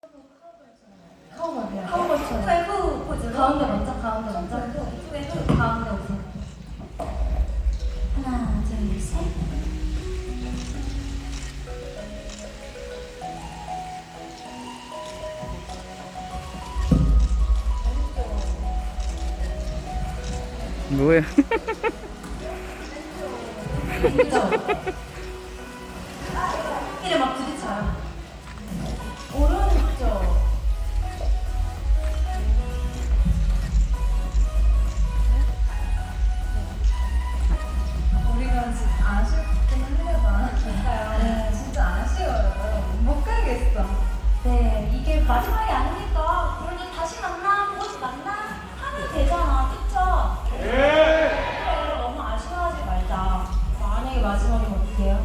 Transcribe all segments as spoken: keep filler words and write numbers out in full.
카우버요. 카우버처럼. 후회후 포즈로. 가운데 먼저, 가운데 먼저. 후회후 가운데 오픈. 하나, 둘, 셋. 뭐야? 그죠? 이래 막 부딪혀요. 오른쪽. 우리가 진짜 아쉽긴 하려나. 네, 진짜 아쉬워요. 못 가겠어. 네, 이게 마지막이 아니니까 그래도 다시 만나, 곧 만나 하면 되잖아, 그쵸? 그래, 너무 아쉬워하지 말자. 만약에 마지막이면 어떡해요?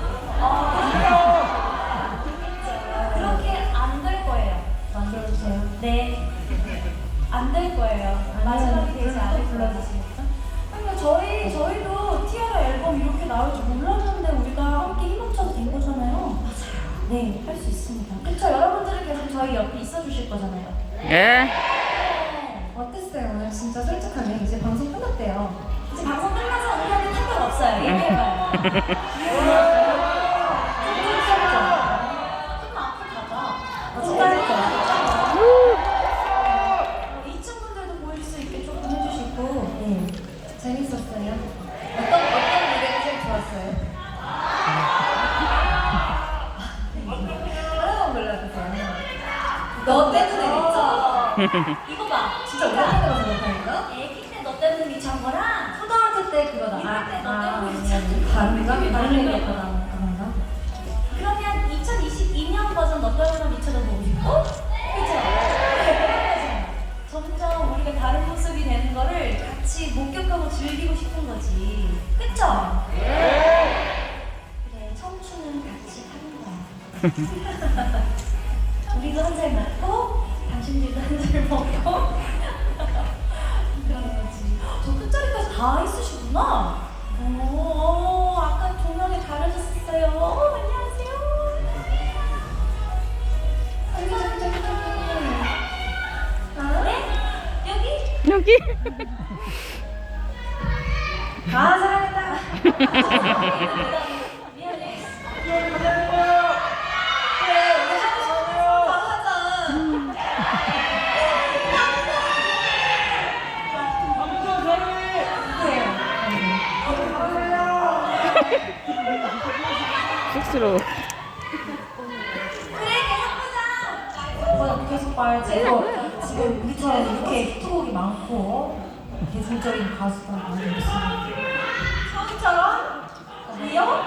아, 그렇게 안 될 거예요. 만들어주세요. 네, 안 될 거예요. 마지막이 되지 않을 불러주세요. 아니요, 저희, 저희도 티아라 앨범 이렇게 나올 줄 몰랐는데 우리가 함께 힘합쳐서 된 거잖아요. 맞아요. 네, 할 수 있습니다. 그쵸, 여러분들은 계속 저희 옆에 있어 주실 거잖아요. 예? 네. 어땠어요? 오늘 진짜 솔직하게 이제 방송 끝났대요. 이제 방송 끝나서 우리한테 상관없어요. 얘기해봐요. 조금 앞으로 가자. 진짜 어, 이층 분들도 보일 수 있게 조금 해주시고. 네. 재밌었어요. 어떤 어떤 무대가 제일 좋았어요? 하나만 골라주세요. 너 때문에 있죠? 이거 봐. 진짜 오랜만에 가서 못하니까? 애기 때 너 때문에 미친 거랑 초등학교 때 그거다. 이럴 때너 아, 때문에 아, 미쳤지. 다른가? 다른 다른 얘기야. 얘기였구나. 그런가? 그러면 이천이십이 년 버전 너 때문에 미쳐도 보고 싶고? 그쵸? 점점 우리가 다른 모습이 되는 거를 같이 목격하고 즐기고 싶은 거지. 그쵸? 그래, 청춘은 같이 하는 거야. 우리도 한 살 먹고, 당신들도 한 살 먹고. 그런 거지. 저 끝자리까지 다 있으시구나. 오, 아까 조명이 가려졌어요. 어, 안녕하세요. 저기 저기 저기 저기. 아, 네? 여기? 여기? 아 사랑했다. 미안해. 그래 우리 하고 싶은 거 다 하자. 쑥스러워. 그래, 계속 보자. 어, 계속 봐야지. 이거 지금 우리처럼 이렇게 히트곡이 많고 대중적인 가수가 많이 있어요. 처음처럼? 리오?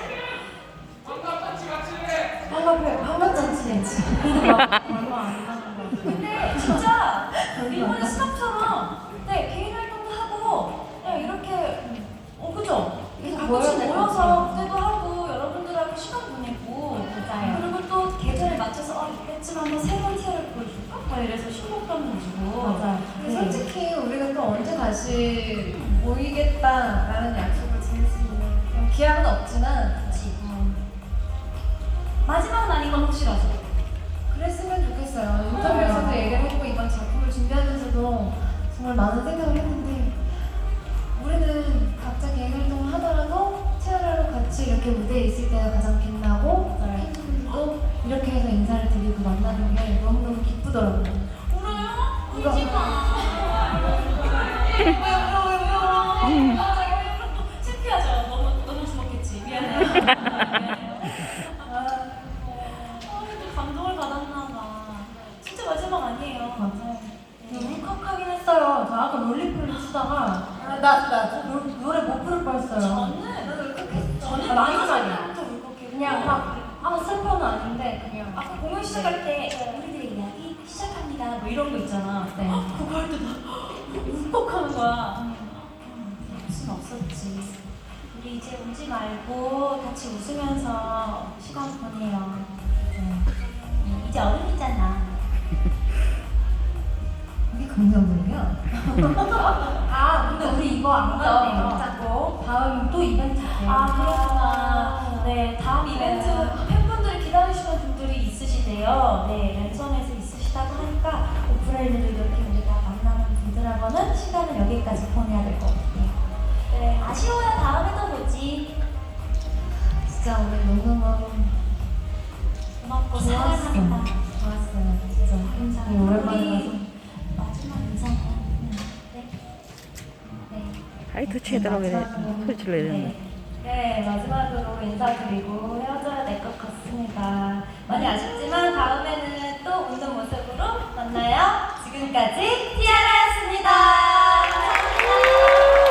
한갑에 한갑잔치 냈지. 얼마 안 나는 거 근데 진짜 이번에 스탑처럼 네, 개인 활동도 하고 그냥 이렇게 어 그죠? 이렇게 계속 가끔씩 모여야 될것 모여서 같아요. 무대도 하고 여러분들하고 시간 보내고 맞아요. 그리고 또 계절에 맞춰서 어 이때쯤 한번 새로운 티아를 보여줄까? 막 이래서 신곡도 내주고 맞아요. 근데 네. 솔직히 우리가 또 언제 다시 모이겠다라는 약속을 지닐 수 있는 기약은 없지만 그치. 어. 마지막은 아닌 건 확실하죠. 그랬으면 좋겠어요. 인터뷰에서도 얘기를 했고 이번 작품을 준비하면서도 정말 많은 생각을 했는데 우리는 각자 개인 활동을 하더라도 티아라로 같이 이렇게 무대에 있을 때가 가장 빛나고 팬분들도 이렇게 해서 인사를 드리고 만나는 게 너무너무 기쁘더라고요. 울어요? 이거- 울지 마. 왜 울어 왜 울어? 아, 이거 또 창피하죠. 너무 너무 주먹했지. 미안해요. 미안해요. 아, 또 감동을 받았나 봐. 진짜 마지막 아니에요. 맞아요. 울컥하긴 했어요. 저 아까 롤리플을 추다가 나, 나 노, 노래 못 부를 뻔했어요. 저는 울컥했어. 저는 아, 마지막에 마지막부터 울컥해. 그냥 막 아, 슬퍼는 아닌데 그냥 아까 공연 시작할 때 우리들의 이야기 시작합니다. 뭐 이런 거 있잖아. 네. 그거 할 때 나 울컥하는 거야. 무슨 없었지. 우리 이제 울지 말고 같이 웃으면서 시간 보내요. 네. 음, 이제 어른이잖아. 이게 긍정적이야. 아, 근데 우리 이거 안 가네요. 가네요. 자꾸. 다음 또 이벤트 때. 아, 그렇구나. 네, 다음 이벤트 팬분들이 기다리시는 분들이 있으시대요. 네, 랜선에 되게 오랜만에 봐서. 마지막 인사는 네. 네. 하이터치에 들어가게 소리를 내야 되는데. 네, 마지막으로 인사드리고 헤어져야 될 것 같습니다. 많이 아쉽지만 다음에는 또 웃는 모습으로 만나요. 지금까지 티아라였습니다. 감사합니다.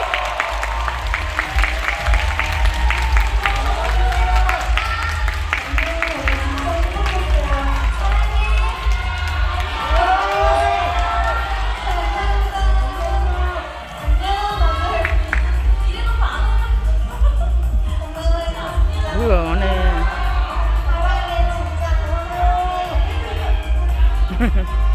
뭐야, 안 해. 사랑해 진짜 고마워.